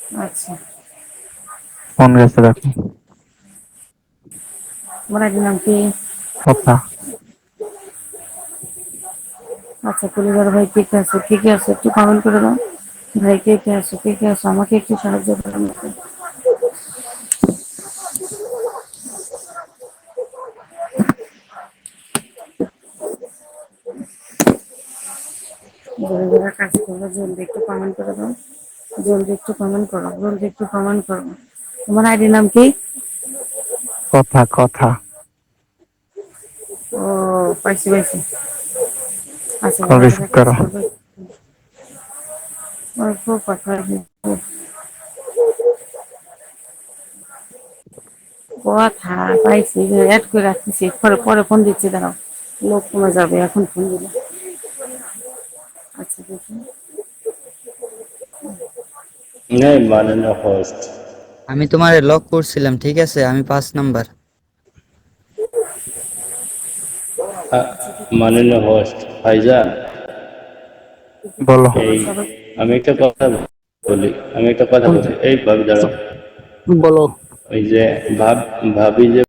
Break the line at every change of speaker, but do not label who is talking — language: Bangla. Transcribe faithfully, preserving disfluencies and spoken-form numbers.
আচ্ছা।
ফোন গেছে দেখো।
তোমার আইডির নাম কি?
কথা।
আচ্ছা, পরিবার ভাই কে কে আছে, কে কে আছে একটু কমেন্ট করে দাও। ভাই কে কে আছে, কে কে আছে, আমাকে একটু সাহায্য করো। যারা যারা কাজ করবো জলদি একটু কমেন্ট করে দাও। জলদি একটু কমেন্ট করো, জলদি একটু কমেন্ট করো। তোমার আইডির নাম কি?
কথা কথা।
ও, পাইছি পাইছি। আচ্ছা,
কল
যারা
রিসিভ
যারা কাজ
করো।
করবে অল্প কথা। কথা পাইছি, অ্যাড করে রাখতেছি, পরে পরে ফোন দিচ্ছি, দাঁড়াও। লোক কমে যাবে এখন ফোন দিলে। আচ্ছা দেখি।
नहीं माननीय होस्ट।
আমি তোমারে লক করছিলাম, ঠিক আছে? আমি পাঁচ নাম্বার।
আচ্ছা দেখি কিছু
माननीय होस्ट भाईजान
দেখি কিছু
বলো।
বলো
এই
সবাই।
আমি একটা কথা বলি আমি একটা কথা বলি এই ভাবি দাঁড়াও
বলো।
ওই যে ভাব ভাবি যে